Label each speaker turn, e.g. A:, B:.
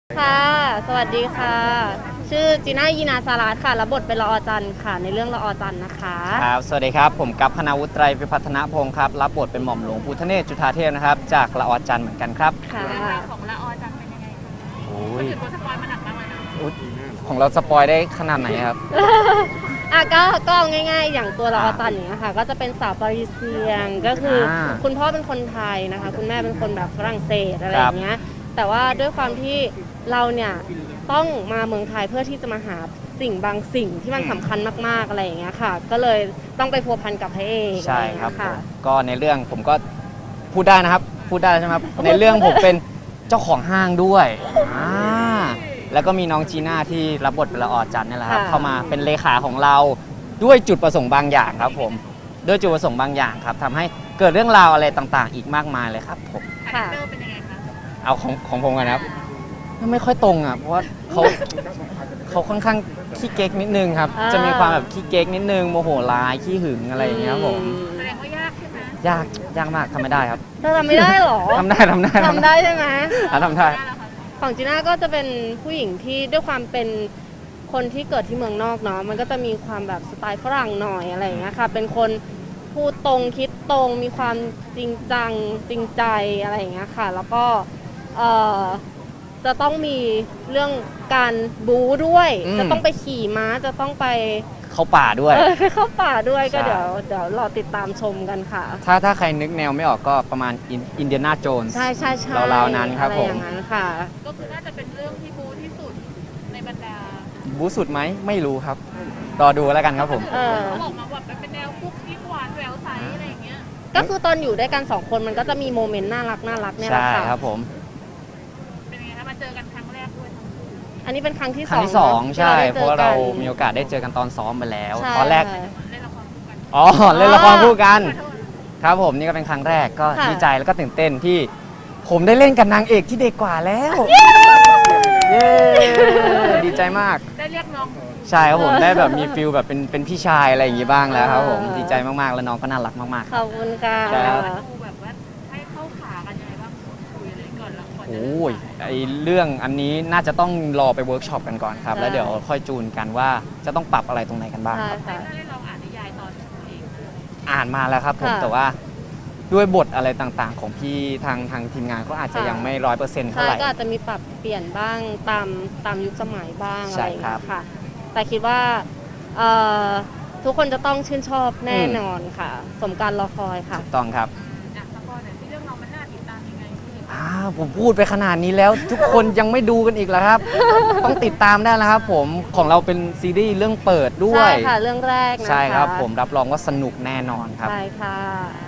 A: ค่ะสวัสดีค่ะ ชื่อจีน่ายีนาสารัตค่ะรับบทเป็นละออจันทร์ค่ะ ในเรื่องละออจันทร์นะคะ
B: ครับสวัสดีครับผมกัปพนาวุฒิไตรวิพัฒนพงศ์ครับรับบทเป็นหม่อมหลวงภูทะเนศจุฑาเทพนะครับจากละออจันทร์เหมือนกันครับ
A: ค่ะ
C: เรื่องราวของละออจังเป็นยังไงคะ
B: โอ้
C: ก็
B: ย
C: ถือตัวสปอยล์มาหนักมากเลยนะ
B: อุ๊ยของเราสปอยได้ขนาดไหนครับ
A: ก็เอาง่ายๆ อย่างตัวละออจันทร์อย่างเงี้ยค่ะ ก็จะเป็นสาวปารีเซียนก็คืออา คุณพ่อเป็นคนไทยนะคะ คุณแม่เป็นคนแบบฝรั่งเศสอะไรอย่างเงี้ย แต่ว่าด้วยความที่เราเนี่ยต้องมาเมืองไทยเพื่อที่จะมาหาสิ่งบางสิ่งที่มันสำคัญมากๆอะไรอย่างเงี้ยค่ะ ก็เลยต้องไปพัวพันกับพระเอก
B: ใช่ครับ
A: อะไอย่างเงี้ยค่ะ
B: ผมก็ในเรื่องผมก็พูดได้นะครับพูดได้ใช่ไหมครับในเรื่องผมเป็นเจ้าของห้างด้วยแล้วก็มีน้องจีน่าที่รับบทเป็นละออจันทร์นี่แหละครับ
A: ค่ะ
B: เข้ามาเป็นเลขาของเราด้วยจุดประสงค์บางอย่างครับผมด้วยจุดประสงค์บางอย่างครับทำให้เกิดเรื่องราวอะไรต่างๆ อีกมากมายเลยครับผม
C: คาแรคเตอร์เป็นยังไงคะ
B: เอาของผมกันนะครับไม่ค่อยตรงอ่ะเพราะว่าเขาค่อนข้างขี้เก๊กนิดนึงครับ จะมีความแบบขี้เก๊กนิดนึงโมโหร้ายขี้หึงอะไรอย่างเงี้ยครับผม
C: แสดงว่ายากใช่ไหม
B: ยากมากทำไม่ได้ครับ
A: เธอทำไม่ได้เหรอ
B: ทำได้
A: ทำได้ใช่ไหม
B: ทำได้
C: ได้แล้วค่ะ
A: ของจีน่าก็จะเป็นผู้หญิงที่ด้วยความเป็นคนที่เกิดที่เมืองนอกเนาะมันก็จะมีความแบบสไตล์ฝรั่งหน่อยอะไรอย่างเงี้ยค่ะเป็นคนพูดตรงคิดตรงมีความจริงจังจริงใจอะไรอย่างเงี้ยค่ะ แล้วก็เอ่อจะต้องมีเรื่องการบู๊ด้วย
B: อืม
A: จะต้องไปขี่ม้าจะต้องไป
B: เข้าป่าด้วย
A: ไปเข้าป่าด้วยก็
B: ใช่
A: เดี๋ยวรอติดตามชมกันค่ะ
B: ถ้าใครนึกแนวไม่ออกก็ประมาณอินเดียนาโจนส์
A: ใช่ใช่ใช่
B: ราวๆนั้นครับ
A: อะไอย่างนั้นค่ะ
C: ก็คือน่าจะเป็นเรื่องที่บูที่สุดในบรรดา
B: บู๊สุดไหมไม่รู้ครับรอดูแล้วกันครับผม
A: เออ
C: เขาบอกมาแบบเป็นแนวคุกกิ๊กหวานแหววใสอะไรอย่างเงี้ย
A: ก็คือตอนอยู่ด้วยกันสองคนมันก็จะมีโมเมนต์น่ารักเนี่ยแหละ
B: ใช่
A: ค่ะ
B: ครับผม
C: เป็นยังไงคะมาเจอกันครั้งแรกด้วยทั้งคู่
A: อันนี้เป็นครั้งที่
B: ครั้งที่สอง
A: เนะ
B: ใช่
A: ที่
B: เพราะว่าเรา
A: ได้จอกัน
B: มีโอกาสได้เจอกันตอนซ้อมไปแล้ว
A: ใช่
B: ตอนแรก
A: ค่ะ
C: เล่นละครคู่กัน
B: อ๋อเล่นละครคู่กันครับผมนี่ก็เป็นครั้งแรกก็
A: ค่ะ
B: ดีใจแล้วก็ตื่นเต้นที่ผมได้เล่นกับนางเอกที่เด็กกว่าแล้วเย้ดีใจมาก
C: ได้เรียกน้อง
B: ใช่ครับผมได้แบบมีฟิลแบบเป็นพี่ชายอะไรอย่างงี้บ้างแล้วครับผมดีใจมากๆแล้วน้องก็น่ารักมากๆ
A: ขอบคุณค่ะ
B: ใช่ครับ
C: ดูแบบว่าให้เข้าขากันยังไงบ้างคุยอะไรก่อนละก่อนจะ
B: โอ้ยไอเรื่องอันนี้น่าจะต้องรอไปเวิร์กช็อปกันก่อนครับ แล้วเดี๋ยวค่อยจูนกันว่าจะต้องปรับอะไรตรงไหนกันบ้าง
A: ใช่
B: ครับ
A: ค่ะ
C: ถ้าได้ลองอ่านนิยายตอนเอง
B: อ่านมาแล้วครับผม
A: ค่ะ
B: แต่ว่าด้วยบทอะไรต่างๆ ของพี่ทางทีมงานก็อาจจะยังไม่100%เท่า
A: ใช่
B: ไหร่
A: ก็อาจจะมีปรับเปลี่ยนบ้างตามยุคสมัยบ้างอะ
B: ใช่
A: ไรอย่าง
B: ครั
A: เงี้
B: บ
A: ยค่ะ แต่คิดว่าเอ่อทุกคนจะต้องชื่นชอบแน่นอนค่ะ สมการรอคอยค่ะ
B: ถูกต้องครับ
C: อ่ะสปอยหน่อยที่เรื่องเรามันน่าติดตามยังไงพี่
B: ผมพูดไปขนาดนี้แล้ว ทุกคนยังไม่ดูกันอีกแล้วครับ ต้องติดตามได้แล้วครับผมของเราเป็นซีรีส์เรื่องเปิดด้ว
A: ใช่
B: ย
A: ค่ะ เรื่องแรกนะคะ
B: ใช่ครับผมรับรองว่าสนุกแน่นอนครับ
A: ใช่ค่ะ